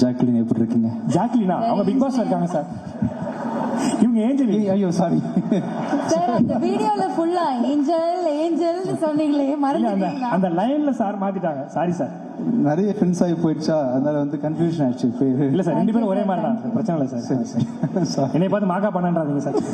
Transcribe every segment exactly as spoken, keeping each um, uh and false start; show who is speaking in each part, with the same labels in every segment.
Speaker 1: Jacqueline எப்படி இருக்கீங்க?
Speaker 2: ஜாக்லினா அவங்க பிக் பாஸ்ல இருக்காங்க சார். இவங்க ஏஞ்சல்.
Speaker 1: ஐயோ சாரி
Speaker 3: சார், அந்த வீடியோல ஃபுல்லா ஏஞ்சல் ஏஞ்சல் சொன்னீங்களே மறந்துட்டீங்களா?
Speaker 2: அந்த லைன்ல சார் மாத்திட்டாங்க. Sorry sir.
Speaker 1: நிறைய ஃப்ரெண்ட்ஸ் ஆகி போயிடுச்சா, அதனால வந்து கன்ஃபியூஷன் ஆயிடுச்சு.
Speaker 2: இல்ல சார், ரெண்டு பேரும் ஒரே மாதிரி தான், பிரச்சனை இல்லை சார்.
Speaker 1: சரி சரி
Speaker 2: என்னை பார்த்து மாக்கா பண்ணாதீங்க sir.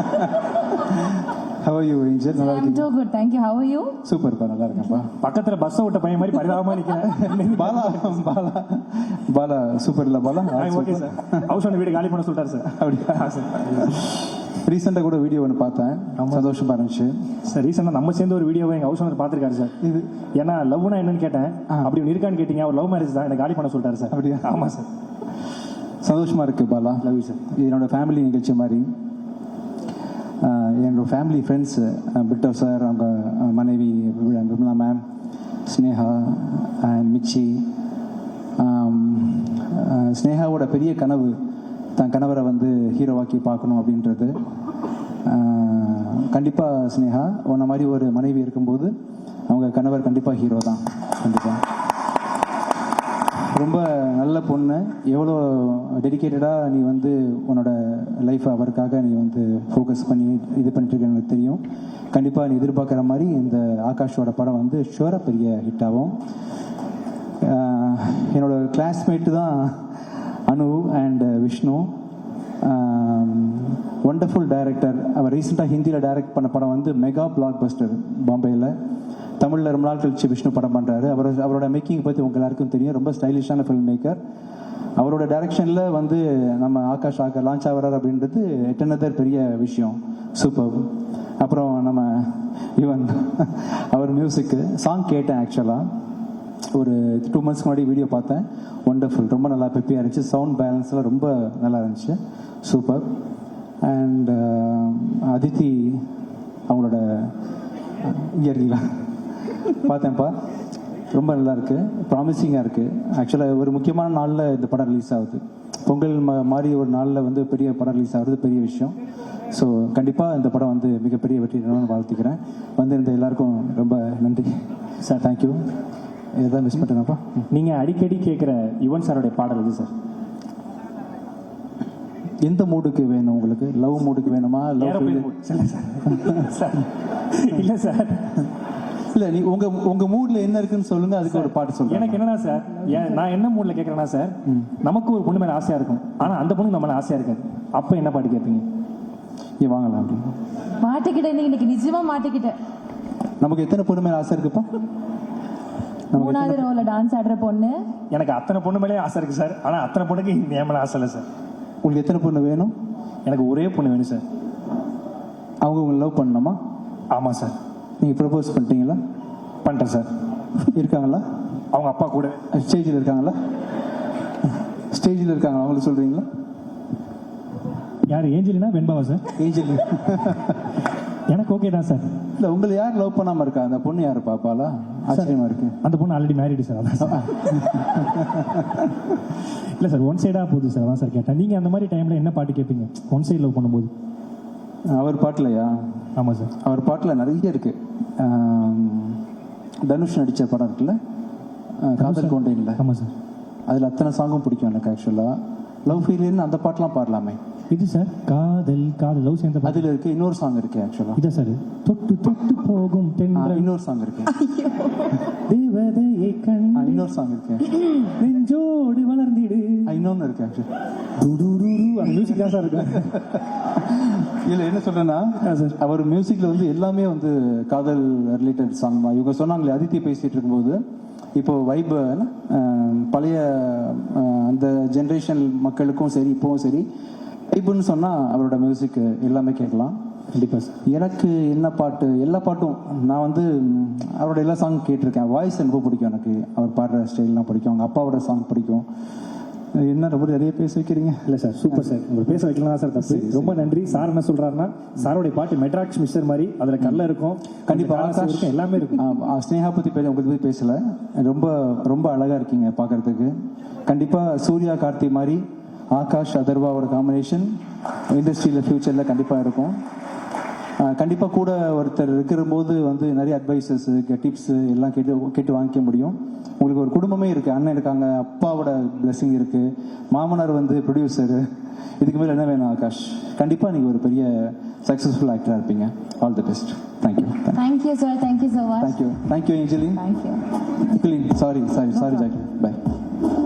Speaker 1: How are you, Angel? நல்லா
Speaker 3: I'm
Speaker 1: இருக்கீங்க?
Speaker 3: so good, thank you. How are you?
Speaker 1: சூப்பர்ப்பா, நல்லா இருக்கேன்ப்பா.
Speaker 2: பக்கத்துல பஸ் விட்ட பையன் மாதிரி பரிதாபமா நிக்கிறேன்.
Speaker 1: பாலா பாலா பாலா சூப்பர் இல்ல Bala?
Speaker 2: Okay sir. House owner வீடு காலி பண்ண சொல்லிட்டாரு சார்.
Speaker 1: அப்படியா சார்? ரீசெண்டாக கூட வீடியோ ஒன்று பார்த்தேன், சந்தோஷமா இருந்துச்சு
Speaker 2: சார். ரீசெண்டாக நம்ம சேர்ந்து ஒரு வீடியோவை எங்கள் ஹவுஸ் ஓனர் பார்த்துருக்காரு சார். இது ஏன்னா லவ்னா என்னன்னு கேட்டேன். அப்படி ஒன்று இருக்கான்னு கேட்டீங்க. அவர் லவ் மேரேஜ் தான், எனக்கு காலி பண்ண சொல்லிட்டாரு சார்.
Speaker 1: அப்படியா?
Speaker 2: ஆமாம் சார்.
Speaker 1: சந்தோஷமா இருக்கு பாலா.
Speaker 2: Love you sir.
Speaker 1: இது என்னோட ஃபேமிலி நிகழ்ச்சி மாதிரி. என்னோட ஃபேமிலி ஃப்ரெண்ட்ஸ் பிட்டோ சார், அவங்க மனைவி விமலா மேம், ஸ்னேகா அண்ட் மிச்சி. ஸ்னேகாவோட பெரிய கனவு தன் கணவரை வந்து ஹீரோவாக்கி பார்க்கணும் அப்படின்றது. கண்டிப்பாக ஸ்னேகா உன்ன மாதிரி ஒரு மனைவி இருக்கும்போது அவங்க கணவர் கண்டிப்பாக ஹீரோ தான். கண்டிப்பாக ரொம்ப நல்ல பொண்ணு. எவ்வளோ டெடிக்கேட்டடாக நீ வந்து உன்னோட லைஃப்பை அவருக்காக நீ வந்து ஃபோக்கஸ் பண்ணி இது பண்ணிட்டு எனக்கு தெரியும். கண்டிப்பாக நீ எதிர்பார்க்குற மாதிரி இந்த ஆகாஷோட படம் வந்து ஷுவராக பெரிய ஹிட் ஆகும். என்னோட கிளாஸ்மேட்டு தான் Anu and Vishnu. Wonderful director. அவர் ரீசெண்டாக ஹிந்தியில் டைரக்ட் பண்ண படம் வந்து மெகா பிளாக் பஸ்டர் பாம்பேயில். தமிழில் ரொம்ப நாள் கழிச்சு விஷ்ணு படம் பண்ணுறாரு. அவர் அவரோட மேக்கிங் பற்றி உங்கள் எல்லாருக்கும் தெரியும். ரொம்ப ஸ்டைலிஷான ஃபில்ம் மேக்கர். அவரோட டைரக்ஷனில் வந்து நம்ம ஆகாஷ் ஆக லான்ச் ஆகிறார் அப்படின்றது எட்டனதர் பெரிய விஷயம். சூப்பர். அப்புறம் நம்ம யுவன் அவர் மியூசிக்கு சாங் கேட்டேன். ஆக்சுவலாக ஒரு டூ மந்த்ஸ்க்கு முன்னாடி வீடியோ பார்த்தேன். ஒண்டர்ஃபுல். ரொம்ப நல்லா பெப்பியாக இருந்துச்சு. சவுண்ட் பேலன்ஸ்லாம் ரொம்ப நல்லா இருந்துச்சு. சூப்பர். அண்ட் அதித்தி அவங்களோட இயற்கைலாம் பார்த்தேன்ப்பா. ரொம்ப நல்லா இருக்கு, ப்ராமிசிங்காக இருக்கு. ஆக்சுவலாக ஒரு முக்கியமான நாளில் இந்த படம் ரிலீஸ் ஆகுது. பொங்கல் மாதிரி ஒரு நாளில் வந்து பெரிய படம் ரிலீஸ் ஆகுது, பெரிய விஷயம். ஸோ கண்டிப்பாக இந்த படம் வந்து மிகப்பெரிய வெற்றி வாழ்த்துக்கிறேன். வந்திருந்த எல்லாருக்கும் ரொம்ப நன்றி சார். தேங்க்யூ. எதாவது மிஸ் பண்ணுறேன்ப்பா.
Speaker 2: நீங்கள் அடிக்கடி கேட்குற யுவன் சாரோடைய பாடல் இது சார்.
Speaker 1: எந்த மூடுக்கு வேணும் உங்களுக்கு? லவ் மூடுக்கு வேணுமா? லவ்
Speaker 2: சார் இல்லை சார்,
Speaker 1: இல்லை நீ உங்க உங்க மூட்ல என்ன இருக்குன்னு சொல்லுங்க, அதுக்கு ஒரு பாட்டு சொல்லுங்க.
Speaker 2: எனக்கு என்னன்னா சார், நான் என்ன மூட்ல கேட்கறேன்னா சார், நமக்கு ஒரு பொண்ணு மேல ஆசையா இருக்கும், ஆனா அந்த பொண்ணு நம்ம மேல ஆசையா இருக்காது. அப்ப என்ன பாட்டு கேட்பீங்க?
Speaker 1: நீ வாங்கலாம் அப்படின்னு
Speaker 3: மாட்டிக்கிட்டேன். இன்னைக்கு நிஜமா மாட்டிக்கிட்டேன்.
Speaker 1: நமக்கு எத்தனை பொண்ணு மேல ஆசை இருக்குப்பா?
Speaker 3: மூணாவது ரோல டான்ஸ் ஆடுற பொண்ணு.
Speaker 2: எனக்கு அத்தனை பொண்ணு மேலே ஆசை இருக்கு சார், ஆனா அத்தனை பொண்ணுக்கு என் மேல ஆசை இல்லை சார்.
Speaker 1: உங்களுக்கு எத்தனை பொண்ணு வேணும்?
Speaker 2: எனக்கு ஒரே பொண்ணு வேணும் சார்.
Speaker 1: அவங்க உங்களை லவ் பண்ணணுமா?
Speaker 2: ஆமாம் சார்.
Speaker 1: நீங்கள் ப்ரப்போஸ் பண்ணிட்டீங்களா?
Speaker 2: பண்ணிட்டேன் சார்.
Speaker 1: இருக்காங்களா?
Speaker 2: அவங்க அப்பா கூட
Speaker 1: ஸ்டேஜில் இருக்காங்களா? ஸ்டேஜில் இருக்காங்களா? அவங்களுக்கு சொல்கிறீங்களா?
Speaker 2: யார்? ஏஞ்சலினா வெண்பாவா சார்?
Speaker 1: ஏஞ்சல்
Speaker 2: எனக்கு ஓகே தான் சார்.
Speaker 1: இல்லை, உங்களை யார் லவ் பண்ணாமல் இருக்கா? அந்த பொண்ணு யார் பாப்பாலா? ஆச்சரியமா இருக்கு.
Speaker 2: அந்த பொண்ணு ஆல்ரெடி மேரிடு சார். அதான் சார். இல்லை சார், ஒன் சைடாக போகுது சார். அதான் சார் கேட்டேன். நீங்கள் அந்த மாதிரி டைமில் என்ன பாட்டு கேட்பீங்க ஒன் சைடு லவ் பண்ணும்போது?
Speaker 1: அவர் பாட்டிலையா?
Speaker 2: ஆமாம் சார். அவர்
Speaker 1: பாட்டில் நிறைய இருக்கு. தனுஷ் நடித்த படம் இருக்குல்ல, காதல் கொண்டேன்ல.
Speaker 2: ஆமாம் சார்.
Speaker 1: அதில் அத்தனை சாங்கும் பிடிக்கும் எனக்கு. ஆக்சுவலாக லவ் ஃபீலின்னு அந்த பாட்டெலாம் பாடலாமே.
Speaker 2: இது சார் காதல் காதல் லவ் சேர்ந்த
Speaker 1: அதில் இருக்கு. இன்னொரு சாங் இருக்கு ஆக்சுவலாக.
Speaker 2: இதான் சார், தொட்டு தொட்டு போகும் தென்றல்.
Speaker 1: இன்னொரு சாங் இருக்கு.
Speaker 2: தேவதையை கண்.
Speaker 1: இன்னொரு சாங் இருக்கு.
Speaker 2: நெஞ்சோடு வளர்ந்திடு.
Speaker 1: இன்னொன்று இருக்கு ஆக்சுவலி.
Speaker 2: அந்த மியூசிக் தான் சார் இருக்கு.
Speaker 1: இல்லை, என்ன சொல்றேன்னா, அவர் மியூசிக்ல வந்து எல்லாமே வந்து காதல் ரிலேட்டட் சாங் தான். இவங்க சொன்னாங்களே, அதித்தி பேசிட்டு இருக்கும்போது, இப்போ வைப் பழைய அந்த ஜென்ரேஷன் மக்களுக்கும் சரி இப்போவும் சரி வைப்புன்னு சொன்னால் அவரோட மியூசிக் எல்லாமே கேட்கலாம்.
Speaker 2: கண்டிப்பாக சார்.
Speaker 1: எனக்கு என்ன பாட்டு, எல்லா பாட்டும் நான் வந்து அவரோட எல்லா சாங் கேட்டிருக்கேன். வாய்ஸ் ரொம்ப பிடிக்கும் எனக்கு. அவர் பாடுற ஸ்டைல்லாம் பிடிக்கும். அவங்க அப்பாவோட சாங் பிடிக்கும். என்ன ரொம்ப நிறைய பேச வைக்கிறீங்க?
Speaker 2: இல்லை சார், சூப்பர் சார். உங்களை பேச வைக்கலாம் சார் தப்பு. ரொம்ப நன்றி. சார் என்ன சொல்றாருன்னா, சாரோடைய பாட்டு மெட்ராக்ஸ் மிக்சர் மாதிரி, அதுல கல்ல இருக்கும்,
Speaker 1: கண்டிப்பாக
Speaker 2: இருக்கும், எல்லாமே இருக்கும்.
Speaker 1: ஸ்னேகா பத்தி பேச உங்களுக்கு பத்தி பேசல. ரொம்ப ரொம்ப அழகா இருக்கீங்க பார்க்கறதுக்கு. கண்டிப்பா சூர்யா கார்த்தி மாதிரி ஆகாஷ் அதர்வாவோட காம்பினேஷன் இண்டஸ்ட்ரியில் ஃபியூச்சரில் கண்டிப்பாக இருக்கும். கண்டிப்பாக கூட ஒருத்தர் இருக்கிற போது வந்து நிறைய அட்வைசஸ் டிப்ஸு எல்லாம் கேட்டு கேட்டு வாங்கிக்க முடியும். உங்களுக்கு ஒரு குடும்பமே இருக்குது, அண்ணன் இருக்காங்க, அப்பாவோட பிளெஸிங் இருக்குது, மாமனார் வந்து ப்ரொடியூசரு. இதுக்கு மேலே என்ன வேணும் ஆகாஷ்? கண்டிப்பாக நீங்கள் ஒரு பெரிய சக்ஸஸ்ஃபுல் ஆக்டராக இருப்பீங்க. All the best. Thank you
Speaker 3: thank you sir, thank you so much.
Speaker 1: Thank you thank you Angeline.
Speaker 3: Thank you.
Speaker 1: Sorry sorry sorry Jackie. By.